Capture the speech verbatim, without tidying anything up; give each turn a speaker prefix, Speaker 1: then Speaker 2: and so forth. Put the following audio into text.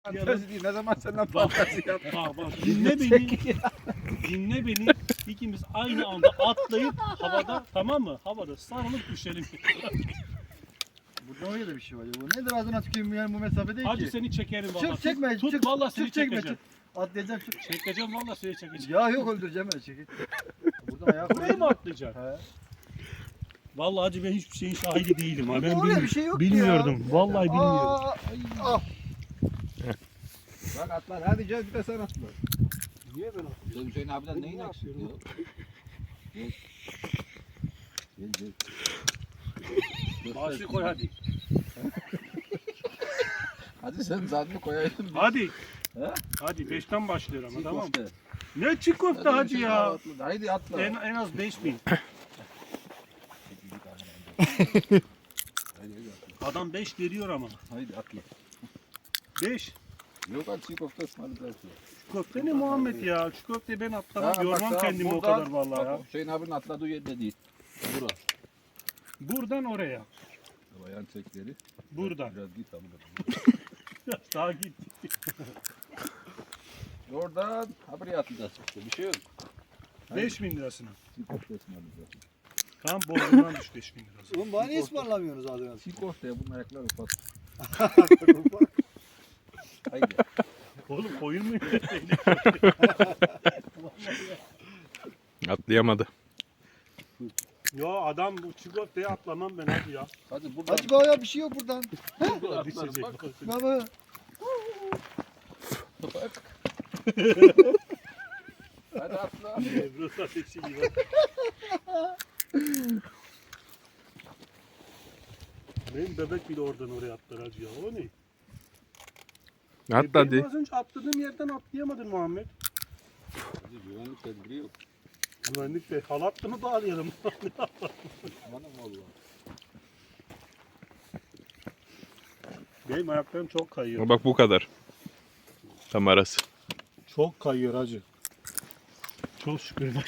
Speaker 1: Fantezi değil. Ne zaman senden fantezi yap.
Speaker 2: Bak bak dinle beni. Dinle beni. İkimiz aynı anda atlayıp havada, tamam mı? Havada sarılıp düşelim.
Speaker 1: Burada öyle de bir şey var ya. Bu nedir ağzına tüküreyim yani bu mesafe değil
Speaker 2: Hadi
Speaker 1: ki.
Speaker 2: seni çekerim valla.
Speaker 1: Çık çekme.
Speaker 2: Tut
Speaker 1: çık,
Speaker 2: valla seni
Speaker 1: çık, çekme,
Speaker 2: çekeceğim.
Speaker 1: çık. Atlayacağım çık.
Speaker 2: Çekeceğim valla seni çekeceğim.
Speaker 1: Ya yok öldüreceğim öyle çekil. Buradan ayağa
Speaker 2: Buraya
Speaker 1: koyayım.
Speaker 2: mı atlayacaksın?
Speaker 1: He.
Speaker 2: Vallahi hacı ben hiçbir şeyin şahidi değilim ha. Ben
Speaker 1: Öyle
Speaker 2: bilmiyorum.
Speaker 1: bir şey yok
Speaker 2: Bilmiyordum.
Speaker 1: ya.
Speaker 2: Vallahi bilmiyorum.
Speaker 1: Aa, ah. Bak atlar hadi gel bir de sen atla.
Speaker 2: Niye ben atlıyorum?
Speaker 3: Hüseyin abiden
Speaker 2: Ben
Speaker 3: neyin
Speaker 2: ne
Speaker 3: eksik
Speaker 2: yapıyorum?
Speaker 3: ya? Gel gel.
Speaker 2: Başı koy hadi.
Speaker 3: Hadi sen zadını koyaydın.
Speaker 2: Hadi.
Speaker 3: He?
Speaker 2: Hadi beşten başlıyor ama
Speaker 3: Çiğ
Speaker 2: tamam mı?
Speaker 3: köfte.
Speaker 2: Ne çiğ köfte
Speaker 3: Hadi
Speaker 2: hacı
Speaker 3: Hüseyin
Speaker 2: ya.
Speaker 3: abi atla. Haydi atla.
Speaker 2: En, en az beş bin.
Speaker 3: Haydi, haydi atla.
Speaker 2: Adam beş veriyor ama.
Speaker 3: Haydi atla.
Speaker 2: beş.
Speaker 3: Yok hadi çiğ köfte ısmarlayacağız.
Speaker 2: Şu köfte ne Muhammed ya? Şu köfteyi ben atlamam.
Speaker 3: Tamam, bak,
Speaker 2: Yormam
Speaker 3: tamam.
Speaker 2: kendimi o
Speaker 3: Buradan-
Speaker 2: kadar vallahi ya.
Speaker 3: bak, Hüseyin abinin atladığı yerde değil. Bura.
Speaker 2: Buradan oraya.
Speaker 3: Bayan çekleri.
Speaker 2: Buradan.
Speaker 3: Biraz git abi.
Speaker 2: Biraz daha git.
Speaker 3: Oradan ha buraya atlayacağız. Bir şey yok. Haydi.
Speaker 2: beş bin lirasına.
Speaker 3: Çiğ köfte ısmarlayacağız.
Speaker 2: Tam boynundan düş beş bin lirası.
Speaker 1: Oğlum bana niye ısmarlamıyorsunuz ağzına?
Speaker 3: Çiğ köfteye bunun ayakları ufak. Haydi.
Speaker 2: Oğlum koyun mu?
Speaker 4: Atlayamadı.
Speaker 2: Ya adam bu çiğ köfteye atlamam ben hadi ya.
Speaker 3: Hadi buradan.
Speaker 1: Hacı baba bir şey yok buradan.
Speaker 3: Buradan
Speaker 2: Düşecek.
Speaker 3: atlarım bak.
Speaker 1: Baba.
Speaker 3: Bak. Hadi atla.
Speaker 2: Ebru ateşi gibi. Benim bebek bile oradan oraya atlar hacı ya. O ne?
Speaker 4: Atla
Speaker 2: Benim
Speaker 4: hadi.
Speaker 2: az önce atladığım yerden atlayamadın Muhammed.
Speaker 3: Hadi güvenlik tedbiri yok.
Speaker 2: Güvenlik de halatlı mı bağlayalım?
Speaker 3: Bana valla.
Speaker 2: Benim ayaklarım çok kayıyor.
Speaker 4: Bak bu kadar. Tam arası.
Speaker 2: Çok kayıyor hacı. Çok şükür bak.